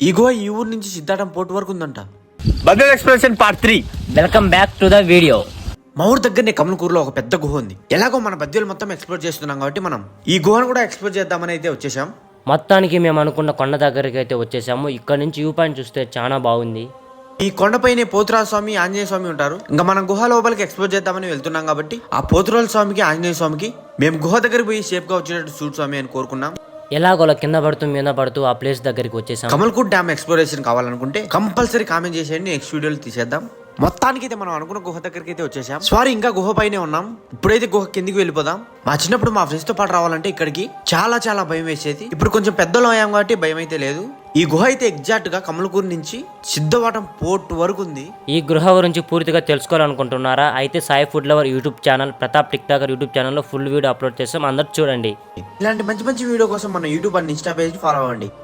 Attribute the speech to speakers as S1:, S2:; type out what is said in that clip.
S1: ఈ గుహ ఈ ఊరు నుంచి సిద్ధాటం పోర్ట్ వరకు ఉందంట.
S2: Burger expression part 3.
S3: Welcome back to the video.
S1: మా ఊరు దగ్గరనే కమలకూరులో ఒక పెద్ద గుహ ఉంది. ఎలాగో మన బద్వేలు మొత్తం ఎక్స్ప్లోర్ చేస్తున్నాం కాబట్టి మనం ఈ గుహను కూడా ఎక్స్ప్లోర్ చేద్దామని అయితే వచ్చేసాం.
S3: మొత్తానికి మేము అనుకున్న కొండ దగ్గరికి అయితే వచ్చేసాము. ఇక్కడ నుంచి వ్యూ పాయింట్ చూస్తే చాలా బాగుంది.
S1: ఈ కొండపైనే పోతురాజు స్వామి, ఆంజనేయ స్వామి ఉంటారు. ఇంకా మనం గుహ లోపలికి ఎక్స్ప్లోర్ చేద్దామని వెళ్తున్నాం కాబట్టి ఆ పోతురాజు స్వామికి, ఆంజనేయ స్వామికి మేము గుహ దగ్గరికి పోయి సేఫ్ గా వచ్చేటట్టు చూడు స్వామి అని కోరుకున్నాం.
S3: ఎలాగోలా కింద పడుతూ మీద పడుతూ ఆ ప్లేస్ దగ్గరికి వచ్చేసాం.
S1: కమల్కూట్ డ్యామ్ ఎక్స్ప్లోరేషన్ కావాలనుకుంటే కంపల్సరీ కామెంట్ చేసేయండి, నెక్స్ట్ వీడియోలో తీసేద్దాం. మొత్తానికి అయితే మనం అనుకున్న గుహ దగ్గరికి అయితే వచ్చేసాం. సారీ, ఇంకా గుహ పైనే ఉన్నాం. ఇప్పుడైతే గుహ కిందికి వెళ్ళిపోదాం. మా చిన్నప్పుడు మా ఫ్రెండ్స్ తో పాటు రావాలంటే ఇక్కడికి చాలా చాలా భయం వేసేది. ఇప్పుడు కొంచెం పెద్దలు అయ్యాం కాబట్టి భయం అయితే లేదు. ఈ గుహ అయితే ఎగ్జాక్ట్ గా కమలకూరు నుంచి సిద్ధవటం పోర్ట్ వరకు ఉంది.
S3: ఈ గృహ గురించి పూర్తిగా తెలుసుకోవాలనుకుంటున్నారా? అయితే Sai food lover YouTube channel, Pratap tick talker YouTube ఛానల్లో ఫుల్ వీడియో అప్లోడ్ చేస్తాం, అందరూ చూడండి.
S1: ఇలాంటి మంచి మంచి వీడియో కోసం మన YouTube and Insta page follow అవ్వండి.